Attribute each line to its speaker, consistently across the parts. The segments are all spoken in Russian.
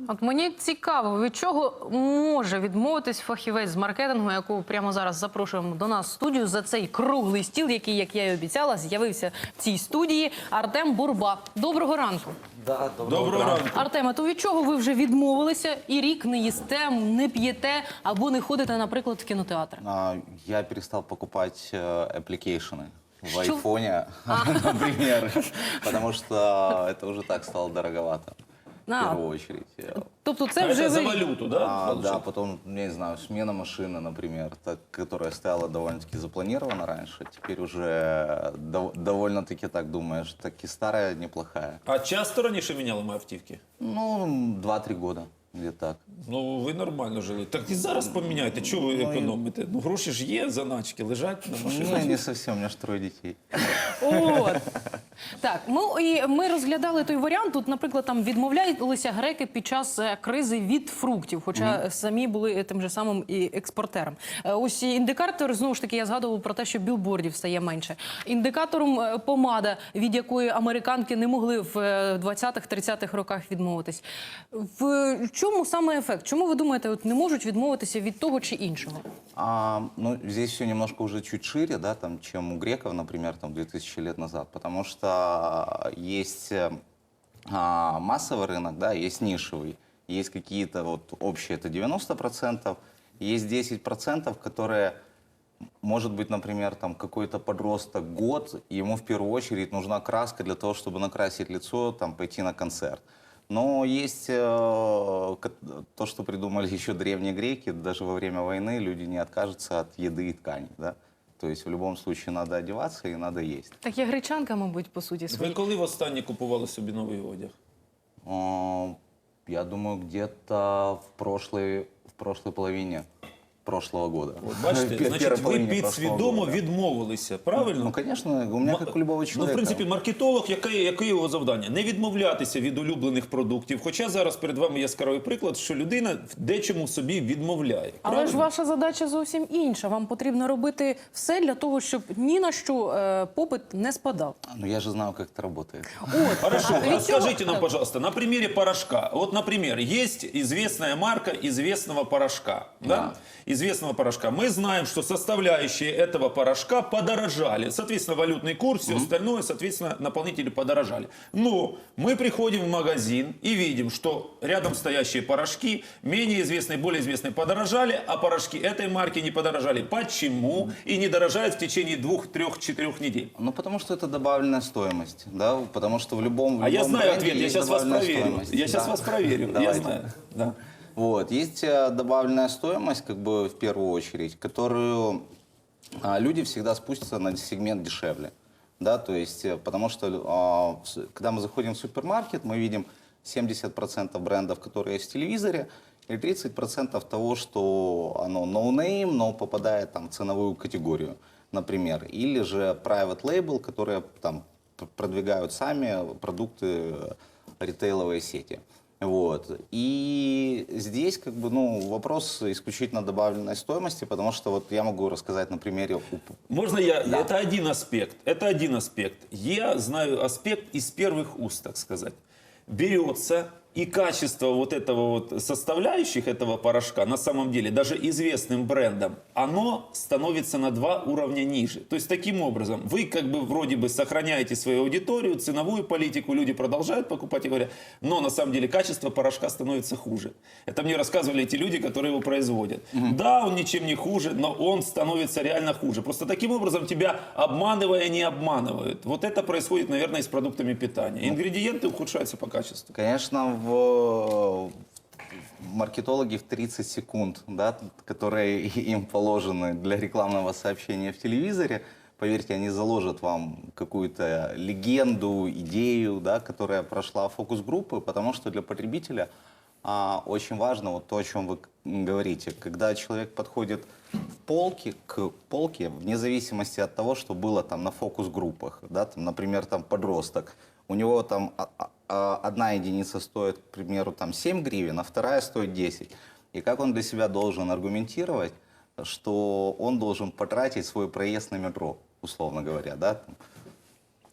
Speaker 1: От мені цікаво, від чого може відмовитись фахівець з маркетингу, якого прямо зараз запрошуємо до нас в студію за цей круглий стіл, який, як я і обіцяла, з'явився в цій студії. Артем Бурба. Доброго ранку.
Speaker 2: Да,
Speaker 3: Доброго ранку.
Speaker 1: Артема, то від чого ви вже відмовилися і рік не їсте, не п'єте або не ходите, наприклад, в кінотеатр?
Speaker 2: Я перестал покупать аппликейшены в
Speaker 1: Что?
Speaker 2: айфоне, например, потому что это уже так стало дороговато. В первую очередь.
Speaker 1: Тобто це
Speaker 3: Это
Speaker 1: вже
Speaker 3: за
Speaker 1: ви...
Speaker 3: валюту, да?
Speaker 2: Да,
Speaker 3: получается?
Speaker 2: потом, я не знаю, смена машины, например, которая стояла довольно-таки запланирована раньше, теперь уже довольно-таки так думаешь, таки старая, неплохая.
Speaker 3: А часто раніше міняли ми автівки?
Speaker 2: Ну, 2-3 года, где-то так.
Speaker 3: Ну, ви нормально жили. Так і зараз поміняйте, чого ви економите? Ну, гроші ж є, заначки, лежать на машині.
Speaker 2: Ну, не совсем, у меня же 3 детей.
Speaker 1: От. Так, ми розглядали той варіант. Тут, наприклад, там відмовлялися греки під час кризи від фруктів, хоча самі були тим же самим і експортером. Ось індикатор, знову ж таки, я згадував про те, що білбордів стає менше. Індикатором помада, від якої американки не могли в 20-30-х роках відмовитись. В чому саме ефект? Чому ви думаєте, от не можуть відмовитися від того чи іншого?
Speaker 2: Ну, здесь все немножко уже чуть шире, да, там, чем у греков, например, там, 2000 лет назад, потому что есть массовый рынок, да, есть нишевый, есть какие-то вот общие, это 90%, есть 10%, которые, может быть, например, там, какой-то подросток год, и ему в первую очередь нужна краска для того, чтобы накрасить лицо, там, пойти на концерт. Но есть то, что придумали еще древние греки, даже во время войны люди не откажутся от еды и тканей, да? То есть в любом случае надо одеваться и надо есть.
Speaker 1: Так я гречанка, мабуть, по суті
Speaker 3: Ви
Speaker 1: своїй.
Speaker 3: коли востаннє купували собі новий одяг?
Speaker 2: Я думаю, где-то в прошлой половине прошлого года.
Speaker 3: От, бачите,
Speaker 2: Первой
Speaker 3: значить, ви
Speaker 2: половине прошлого
Speaker 3: підсвідомо
Speaker 2: года.
Speaker 3: відмовилися, правильно?
Speaker 2: Ну, конечно, у меня как у любого
Speaker 3: Ну,
Speaker 2: человека.
Speaker 3: в принципі, маркетолог, яке його завдання? Не відмовлятися від улюблених продуктів. Хоча зараз перед вами яскравий приклад, що людина в дечому собі відмовляє.
Speaker 1: Але
Speaker 3: Правильно?
Speaker 1: ж ваша задача зовсім інша. Вам потрібно робити все для того, щоб ні на що попит не спадав.
Speaker 2: Ну, я же знаю, как это работает.
Speaker 1: От.
Speaker 3: Хорошо,
Speaker 1: А від
Speaker 3: расскажите
Speaker 1: цього-
Speaker 3: нам, пожалуйста, на примере порошка. Вот, например, есть известная марка известного порошка. Да? Известного порошка. Мы знаем, что составляющие этого порошка подорожали. Соответственно, валютный курс, все остальное, соответственно, наполнители подорожали. Но мы приходим в магазин и видим, что рядом стоящие порошки, менее известные, более известные, подорожали, а порошки этой марки не подорожали. Почему? И не дорожают в течение 2, 3, 4 недель.
Speaker 2: Ну, потому что это добавленная стоимость, да, потому что в любом
Speaker 3: А я знаю
Speaker 2: бренде
Speaker 3: ответ, я
Speaker 2: есть
Speaker 3: сейчас вас
Speaker 2: добавленная
Speaker 3: проверю.
Speaker 2: стоимость.
Speaker 3: Я сейчас
Speaker 2: Да.
Speaker 3: вас проверю, я
Speaker 2: Давайте.
Speaker 3: знаю. Да.
Speaker 2: Вот, есть добавленная стоимость, как бы, в первую очередь, которую люди всегда спустятся на сегмент дешевле, да, то есть, потому что, когда мы заходим в супермаркет, мы видим 70% брендов, которые есть в телевизоре, и 30% того, что оно no-name, но попадает там в ценовую категорию, например, или же private label, которые там продвигают сами продукты ритейловой сети. Вот. И здесь как бы, ну, вопрос исключительно добавленной стоимости, потому что вот я могу рассказать на примере...
Speaker 3: Можно я?
Speaker 2: Да.
Speaker 3: Это один аспект. Это один аспект. Я знаю аспект из первых уст, так сказать. Берется и качество вот этого вот составляющих этого порошка, на самом деле, даже известным брендом, оно становится на 2 уровня ниже. То есть, таким образом, вы как бы вроде бы сохраняете свою аудиторию, ценовую политику, люди продолжают покупать и говорят, но на самом деле качество порошка становится хуже. Это мне рассказывали эти люди, которые его производят. Да, он ничем не хуже, но он становится реально хуже. Просто таким образом тебя, обманывая, не обманывают. Вот это происходит, наверное, и с продуктами питания. Ингредиенты ухудшаются по качеству.
Speaker 2: Конечно, маркетологи в 30 секунд, да, которые им положены для рекламного сообщения в телевизоре, поверьте, они заложат вам какую-то легенду, идею, да, которая прошла фокус-группы, потому что для потребителя очень важно вот то, о чем вы говорите. Когда человек подходит к полке, вне зависимости от того, что было там на фокус-группах, да, там, например, там подросток, у него там одна единица стоит, к примеру, там 7 гривен, а вторая стоит 10. И как он для себя должен аргументировать, что он должен потратить свой проезд на метро, условно говоря, да?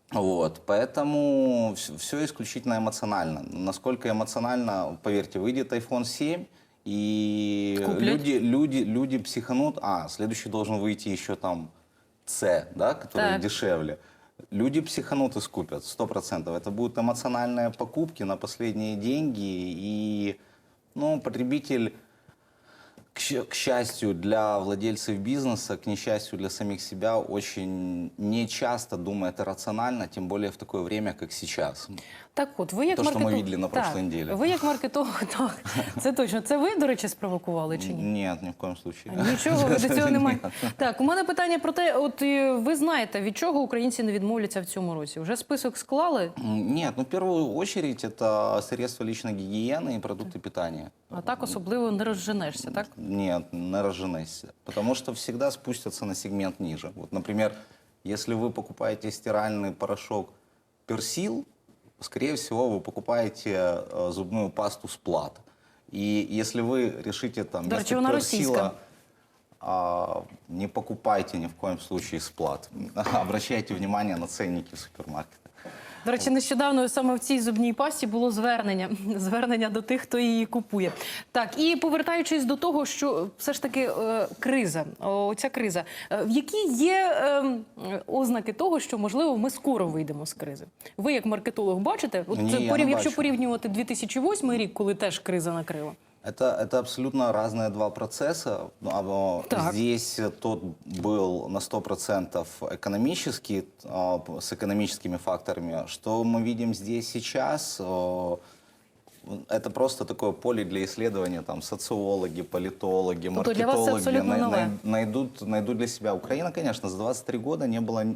Speaker 2: Вот, поэтому все исключительно эмоционально. Насколько эмоционально, поверьте, выйдет iPhone 7, и
Speaker 1: Куплять.
Speaker 2: люди психанут, следующий должен выйти еще там C, да, который
Speaker 1: Так.
Speaker 2: дешевле. Люди психанут и скупят, 100%. Это будут эмоциональные покупки на последние деньги, и, ну, потребитель, к счастью для владельцев бизнеса, к несчастью для самих себя, очень нечасто думает рационально, тем более в такое время, как сейчас.
Speaker 1: Так от, ви як
Speaker 2: То, що ми
Speaker 1: маркетолог...
Speaker 2: видели на прошлой неделе.
Speaker 1: Ви як маркетолог, так, це точно. Це ви, до речі, спровокували чи ні?
Speaker 2: Нет, ни в коем случае.
Speaker 1: Нічого, ви до цього немає. Так, у мене питання про те, от ви знаєте, від чого українці не відмовляться в цьому році? Вже список склали,
Speaker 2: Нет, ну в первую очередь это средства личной гигиены и продукты питания.
Speaker 1: а так особливо не розженешся, так?
Speaker 2: Нет, не разженешься. Потому что всегда спустятся на сегмент ниже. Вот, например, если вы покупаете стиральный порошок Персил, скорее всего, вы покупаете зубную пасту Сплат. И если вы решите там
Speaker 1: Да,
Speaker 2: вместо
Speaker 1: она
Speaker 2: Персила, не покупайте ни в коем случае Сплат. Обращайте внимание на ценники в супермаркетах.
Speaker 1: До речі, нещодавно саме в цій зубній пасті було звернення до тих, хто її купує. Так, і повертаючись до того, що все ж таки криза, оця криза, в які є ознаки того, що, можливо, ми скоро вийдемо з кризи? Ви як маркетолог бачите? От
Speaker 2: Ні,
Speaker 1: це,
Speaker 2: я не
Speaker 1: якщо
Speaker 2: бачу.
Speaker 1: порівнювати 2008 рік, коли теж криза накрила.
Speaker 2: Это абсолютно разные два процесса.
Speaker 1: Так.
Speaker 2: Здесь тот был на 100% экономический, с экономическими факторами. Что мы видим здесь сейчас, это просто такое поле для исследования. Там социологи, политологи,
Speaker 1: То для вас це
Speaker 2: маркетологи
Speaker 1: абсолютно нове.
Speaker 2: найдут для себя. Украина, конечно, за 23 года не было,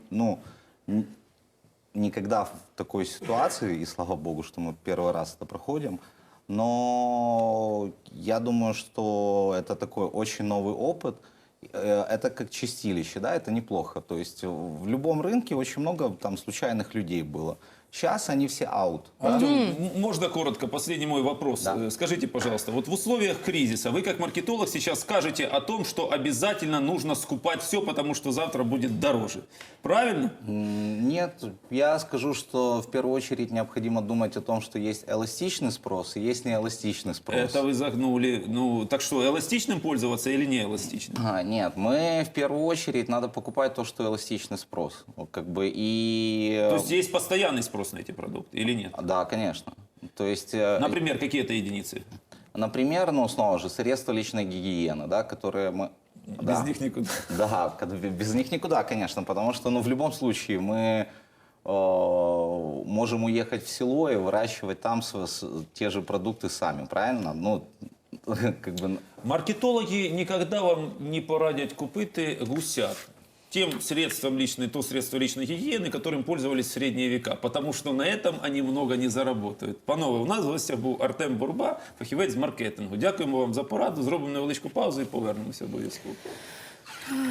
Speaker 2: никогда в такой ситуации, и слава богу, что мы первый раз это проходим. Но я думаю, что это такой очень новый опыт. Это как чистилище, да, это неплохо. То есть в любом рынке очень много там случайных людей было. Сейчас они все аут. Да?
Speaker 3: Можно коротко, последний мой вопрос.
Speaker 2: Да.
Speaker 3: Скажите, пожалуйста, вот в условиях кризиса вы как маркетолог сейчас скажете о том, что обязательно нужно скупать все, потому что завтра будет дороже. Правильно?
Speaker 2: Нет, я скажу, что в первую очередь необходимо думать о том, что есть эластичный спрос и есть неэластичный спрос.
Speaker 3: Это вы загнули. Ну, так что, эластичным пользоваться или не эластичным?
Speaker 2: Нет, мы в первую очередь надо покупать то, что эластичный спрос. Вот как бы и...
Speaker 3: То есть есть постоянный спрос на эти продукты или нет?
Speaker 2: Да, конечно. То есть...
Speaker 3: Например, какие-то единицы?
Speaker 2: Например, ну, снова же, средства личной гигиены, да, которые мы...
Speaker 3: Без них никуда.
Speaker 2: Да, без них никуда, конечно, потому что, ну, в любом случае мы можем уехать в село и выращивать там те же продукты сами, правильно? Ну, как бы...
Speaker 3: Маркетологи никогда вам не порадять купити гусят. Тем средством личной, то средство личной гигиены, которым пользовались в средние века. Потому что на этом они много не заработают. Панове, у нас в гостях був Артем Бурба, фахівець з маркетингу. Дякуємо вам за пораду, зробимо невеличку паузу і повернемося обов'язково.